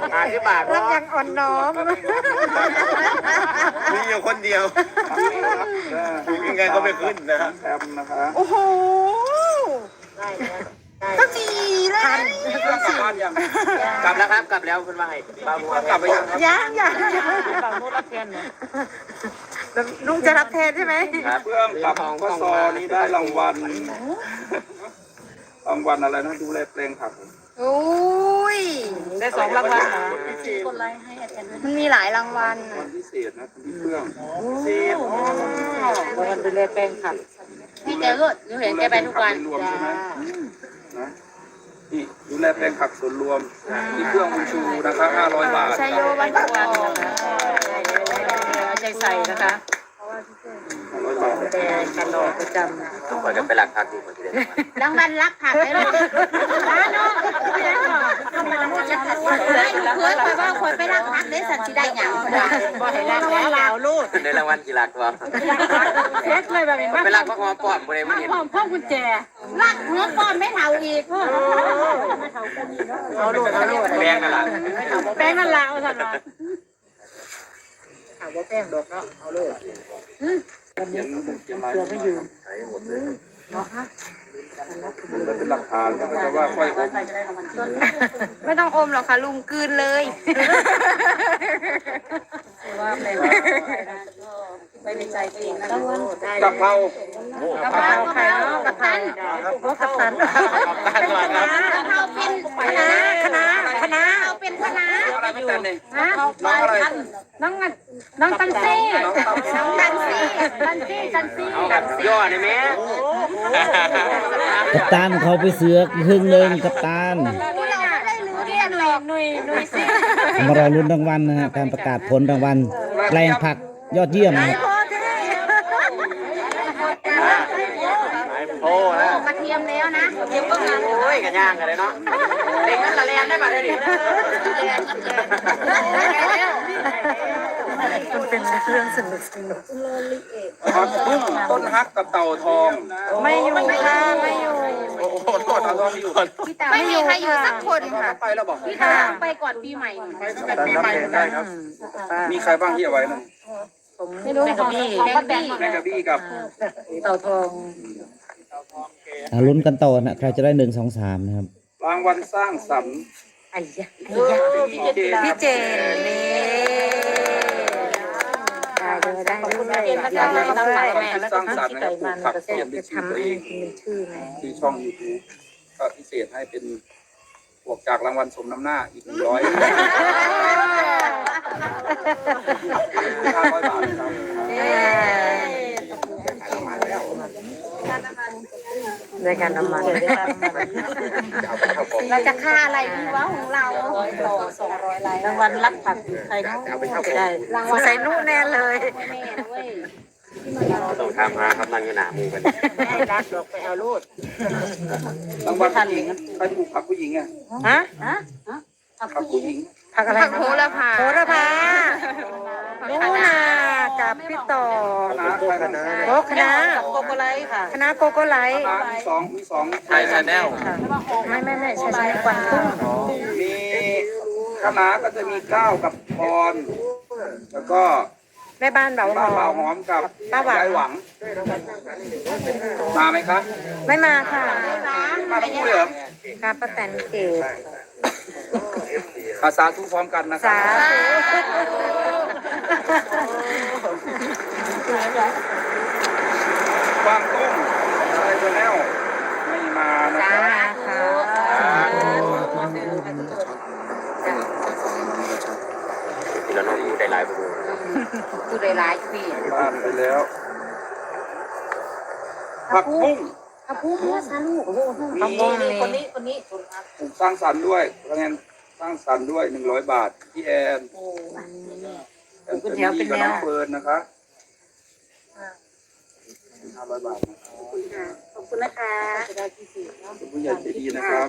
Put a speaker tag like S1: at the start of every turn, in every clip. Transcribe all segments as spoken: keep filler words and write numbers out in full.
S1: ห้าสิบบาทรับยังอ่อนน้อมมีอยู่คนเดียวยังไงก็ไม่ขึ้นนะแอมนะคะโอ้โหก็ดีเลยกลับบ้านยังกลับแล้วครับกลับแล้วคุณว่าไงบาบัวกลับไปยังยังยังบาบัวรับแทนเนี่ยลุงจะรับแทนใช่ไหมเพื่อนกลับก็ซอนี้ได้รางวัลรางวัลอะไรนะดูแลแปลงผักโอ้ยได้สองรางวัลนะกดไลค์ให้อาจารย์มันมีหลายรางวัลวันพิเศษนะคุณเพื่อนพิเศษรางวัลดูแลแปลงผักพี่แกก็หนูเห็นแกไปทุกวันรวมใช่ไหมนะนี่ดูแลแปลงผักส่วนรวมมีเครื่องบุญชูนะคะห้าร้อยบาทใช้โยวันทุกวันใจใส่นะคะแต่กันรอประจำต้องคอยกันไปหลักผักดีกว่าที่เดิมรางวัลรักผักเลยลูกร้านเนาะทำไมละมุดจะขัดไม่เคยคอยว่าคอยไปรักผักได้สัตว์ที่ได้หยังบ่ให้รักแล้วแล้วลูกในรางวัลกี่หลักวะเซ็ตเลยแบบนี้ไปรักพระหอมปอมเลยวันนี้หอมพ่อกุญแจรักหัวปอมไม่เท่าอีกเอาลูกเอาลูกแป้งนั่นละแป้งนั่นละเอาสัตว์ละถามว่าแป้งดอกเนาะเอาลูกวันนี้เสือไม่อยู่เนาะฮะเป็นหลักฐานแต่ว่าค่อยไม่ต้องอมหรอกค่ะลุงกืนเลยว่าไปไปในใจตัวเองนะกะเพรากะเพราไข่เนาะกะเพรากะเพรากะเพรากะเพราเป็นคณะคณะคณะเอาเป็นคณะอะไรไม่แต่เนี่ยฮะน้องอะไรน้องน้องตันซี่น้องตันซี่ตันซี่ตันซี่ย่อได้ไหม
S2: กัปตันเขาไปเสือกครึ่งหนึ่งกัปตันมารอลุ้นรางวัลนะฮะการประกาศผลรางวัลแปลงผักยอดเยี่ยมนะครับ
S1: โอ้แล้วกระเทียมแล้วนะกระเทียมก็งานโอ้ยกระย่างกันเลยเนาะเด็กนั่นละแลนได้ป่ะได้ดิมันเป็นเรื่องสนุกสนุกผักบุ้งต้นฮักกับเต่าทองไม่อยู่ค่ะไม่อยู่โอ้โหเต่าทองอยู่ไม่มีใครอยู่สักคนค่ะไปแล้วบอกพี่ตาไปก่อนปีใหม่ไปตั้งแต่ปีใหม่ได้ครับมีใครบ้างที่เอาไว้นะไม่รู้แมงกะบี้แมงกะบี้แมงกะบี้กับเต่าทอง
S2: อ่าลุ้นกันต่อนะใครจะได้หนึ่งสองสามนะครับ
S1: รางวัลสร้างสรรค์ไอ้ยะพี่เจนนี่ได้เลยได้เลยได้เลยแม่แล้วก็สร้างสรรค์นะครับปลูกผักเขียนเป็นชื่อตัวเองที่ช่องยูทูบก็พิเศษให้เป็นบวกจากรางวัลสมน้ำหน้าอีกหนึ่งร้อยห้าร้อยบาทครับในการน้ำมันเราจะค่าอะไรดีวะของเราสองร้อยไลน์รางวัลรับผักใครได้รางวัลใส่นุ่นแน่เลยต้องทำมาครับนั่งอยู่หนามือกันไม่รักหรอกไปเอาลูดรางวัลผู้หญิงใครปลูกผักผู้หญิงอ่ะฮะฮะผักผู้หญิงผักอะไรผักโหระพาโหระพาลูนากับพี่ต่อโอ้คณะโกโกไลค่ะคณะโกโกไลมีสองมีสองไทยชาแนลไม่ไม่ไม่ใช่ใช่กวางตุ้งมีคณะก็จะมีก้าวกับพรแล้วก็แม่บ้านเบาหอมเบาหอมกับป้าหวังหวังมาไหมคะไม่มาค่ะมาทั้งคู่เลยเหรอค่ะป้าแตนเกศภาษาทุกพร้อมกันนะครับกวางตุ้งอะไรตัวแนวไม่มานะครับที่เราต้องอยู่ได้หลายบุญอยู่ได้หลายปีบ้านไปแล้วผักบุ้งผักบุ้งเนี่ยสาลูกผักบุ้งคนนี้คนนี้สร้างสรรค์ด้วยคะแนนสร้างสรรค์ด้วยหนึ่งร้อยบาทพี่แอนเป็นแถวเป็นแนวเฟิร์นนะคะห้าร้อยบาทขอบคุณนะคะคุณผู้ใหญ่ใจดีนะครับ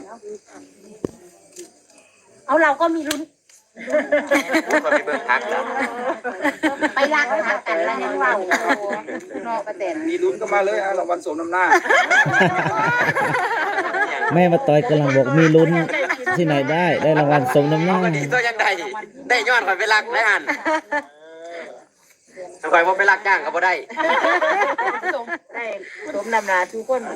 S1: เอาเราก็มีลุ้นก็มีเบอร์ทักแล้วไปรักทักกันแล้วยังเรานอกประเด็นมีลุ้นก็มาเลยฮะรางวัลสมน้ำหน้า
S2: แม่มาต่อยกำลังบอกมีลุ้นที่ไหนได้ได้รางวัลสมน้ำหน้า
S3: วันนี้ตัวยังได้ได้ยอดข่อยไปรักได้หันข่อยบ่ไปรักจ้างก็บ่ได้
S4: ได้สมนำหนาทุกคน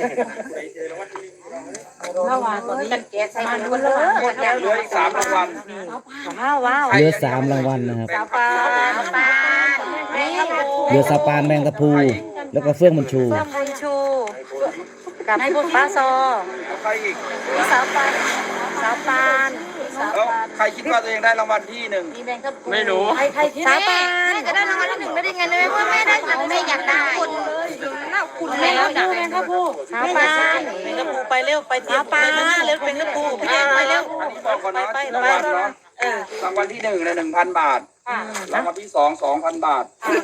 S4: เมื่อวานตอนนี้กันแกะใส่มันคนละหมดแล้ว
S1: เหลืออีกสามรางวัล
S4: ว้าวว้าว
S2: เหลือสามรางวัลนะครับ
S4: สาวปานสาวปานแม่
S2: เหลือสาปานแมงตะพูแล้วก็เฟื่องบุญชู
S4: เฟื่องบุญชูกับป้าซอ
S1: แล้วใครอีก
S4: พี่สาวปานสาวปานสาว
S1: แล้ว
S4: ปาน
S1: ใครคิดว่าตัวเองได้รางวัลที่หนึ่ง
S4: มีแมงกะพรุน
S3: ไม่รู้
S4: ใครใครสาวปานจะได้รางวัลที่หนึ่งได้ยังไงเนี่ยว่าแม่ได้แม่อยากได้คุณคุณแม่แล้วแมงกะพรุนสาวปานแมงกะพรุนไปเร็วไปเตรียมไปหน้าเร็วแมงกะพรุนพี่แดงไปเร็ว
S1: อันนี้บอกก่อนนะรางวัลเนาะรางวัลที่หนึ่งเลยหนึ่งพันบาทรางวัลที่สองสองพันบาท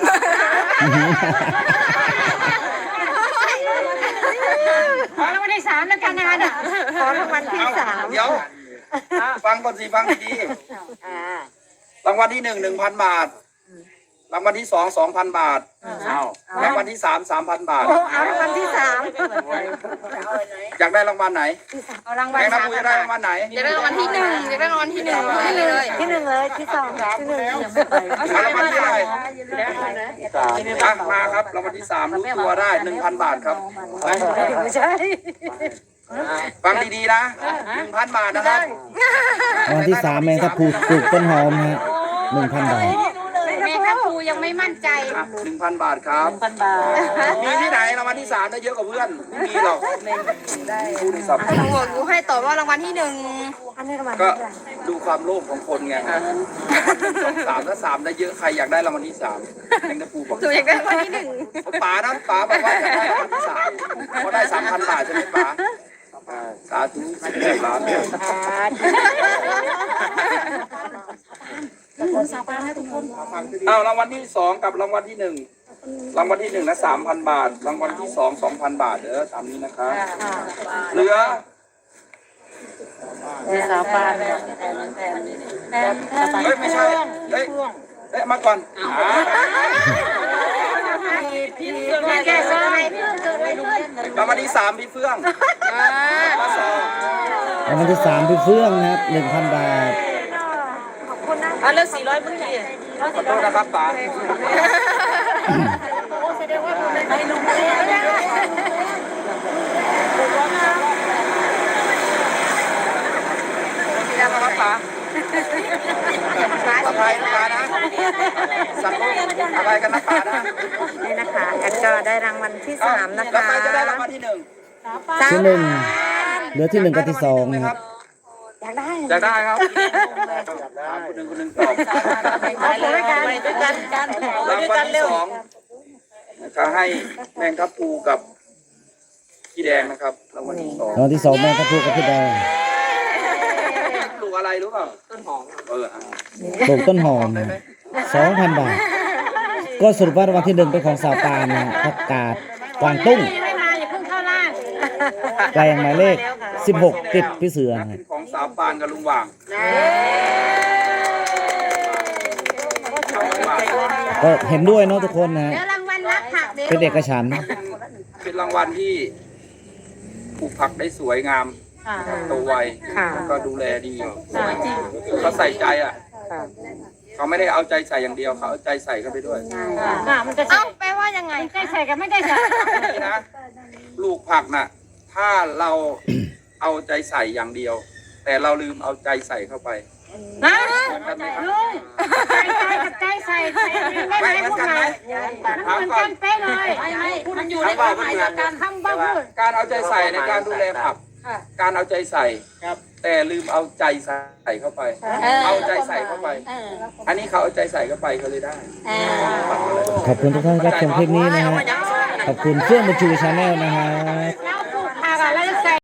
S4: ขอรางวัลที่สามแล้วกันนะคะเนี่ยขอรางวัลที่สาม
S1: เดี๋ยวฟังก่อนสิฟังดีๆรางวัลที่หนึ่งหนึ่งพันบาทรางวัลที่สองสองพันบาทรางวัลที่สามสามพันบาท
S4: โอ้เอารางวัลที่สาม
S1: อยากได้รางวัลไหน
S4: เอารางวัล
S1: แม่นัก
S4: สาม
S1: พูจะได้รางวัลไหน
S5: อยากได้รางวัลที่หนึ่งอยากได้รางวัลที่หนึ่งที่เลย
S4: ที่หนึ่งเลยที่สองที่หนึ่ง
S1: เอารางวัลที่อะไรอ่ะมาครับรางวัลที่สามรู้ตัวได้หนึ่งพันบาทครับ
S4: ไม่ใช่
S1: ฟังดีๆนะหนึ่งพันบาทนะครับ
S2: รางวัลที่สามแมงตะพูปลูกต้นหอมนะฮะหนึ่งพันบาท
S5: แม่ทัพภูยังไม่มั่นใจ
S1: หนึ่งพันบาทครับ
S4: พันบาท
S1: มีที่ไหนรางวัลที่สามได้เยอะกว่าเพื่อนไม่มีหรอกผู้ในสับ
S5: หนูบอกหนูให้ตอบว่ารางวัลที่หนึ่ง
S4: อันนี้รางวัล
S1: ก็ดูความโลภของคนไงสองสามถ้าสามได้เยอะใครอยากได้รางวัลที่สามแมงตะปูบอก
S5: หนูอยากได้รางวัลที่หนึ่ง
S1: ป๋านะป๋าบอกว่าอยากได้รางวัลที่สามเพราะได้สามพันบาทใช่ไหมป๋าสาธุสิบแปดล้าน
S4: สาวปานให้ทุกคน
S1: เอารางวัลที่สองกับรางวัลที่หนึ่งรางวัลที่หนึ่งนะสามพันบาทรางวัลที่สองสองพันบาทเด้อตามนี้นะครับเหลือ
S4: สาวปาน
S1: เฮ้ยไม่ใช่เฮ้ยเฮ้ยมาก่อน
S4: พี่แกสมัย
S1: รางวัลที่สามพี่เฟื่องมาสอง
S2: รางวัลที่สามพี่เฟื่องนะครับหนึ่งพันบาท
S4: อ่ะเลือกสี่ร้อยเมื่อกี้
S1: ขอโทษนะครับป๋า
S4: ไปลุงเลย
S1: ที่นั่นนะครับป๋าสบายนะป๋านะสัตว์โลกอะไรกันนะป๋านะ
S4: นี่นะคะแอดก็ได้รางวัลที่สามนะ
S1: แล้ว
S4: คะ
S1: ใครจะได้รางวัลที่หนึ่ง
S2: ที่หนึ่งเหลือที่หนึ่งกับที่สองนะครับ
S4: อยากได้
S1: อยากได้ครับคนหนึ่งคนหนึ่งตอบ
S4: เอาไปด้วยกันด้วยกันกัน
S1: รางวัลที่สองนะครับให้แมงทับปูกับพี่แดงนะครับรางวัลที่สอง
S2: รางวัลที่สองแมงตะพูกับพี่แดง
S1: ปลูกอะไรรู้เปล่าต้นหอมเออ
S2: ปลูกต้นหอมสองพันบาท ก็สรุปว่ารางวัลที่หนึ่งเป็นของสาวปานนะฮะผักกาดกวางตุ้ง
S5: ไม่มาอย่าเพิ่งเข้าล่าง
S2: แปลงหมายเลขสิบหกติดพี่เสือนะ
S1: เป็
S2: ฮะ
S1: นของสาวปานกับลุงหว่าง
S2: ก็เห็นด้วยเนาะทุกคนนะฮะ
S5: เดี๋ยวรางวัลรับผักเด็ก
S2: เป็นเอกฉันท์
S1: เป็นรางวัลที่ปลูกผักได้สวยงามโตไวแล้วก็ดูแลดีเขาใส่ใจอ่ะเขาไม่ได้เอาใจใส่อย่างเดียวเขาเอาใจใส่เข้าไปด้วย
S4: มันจะ
S5: เอ้าแปลว่ายังไง
S4: ได้ใส่กับไม่ได้ใส่
S1: นี่นะปลูกผักน่ะ ถ้าเราเอาใจใส่อย่างเดียว แต่เราลืมเอาใจใส่เข้าไป
S4: นะ
S1: เหมือนกันไหมครับ
S4: ใจใจกับใจใส่ไม่
S1: ไม่
S4: ไม่
S1: เหมื
S4: พู
S1: อน
S4: ด
S1: กัน
S4: ไง
S1: ไหมถาม
S4: เหมือน
S1: ก่อ
S4: กัน นเป๊ะเลยไม่ไม่พูดมันอยู่ในความหมายเดียวกันคำบ้าพูด
S1: การเอาใจใส่ในการดูแลผัก การเอาใจใส่แต่ลืมเอาใจใส่เข้าไป เอาใจใส่เข้าไป อันนี้เขาเอาใจใส่เข้าไปเขาเลยได้
S2: ขอบคุณทุกท่านที่รับชมคลิปนี้นะฮะขอบคุณเฟื่องบุญชูชาแนลนะฮะ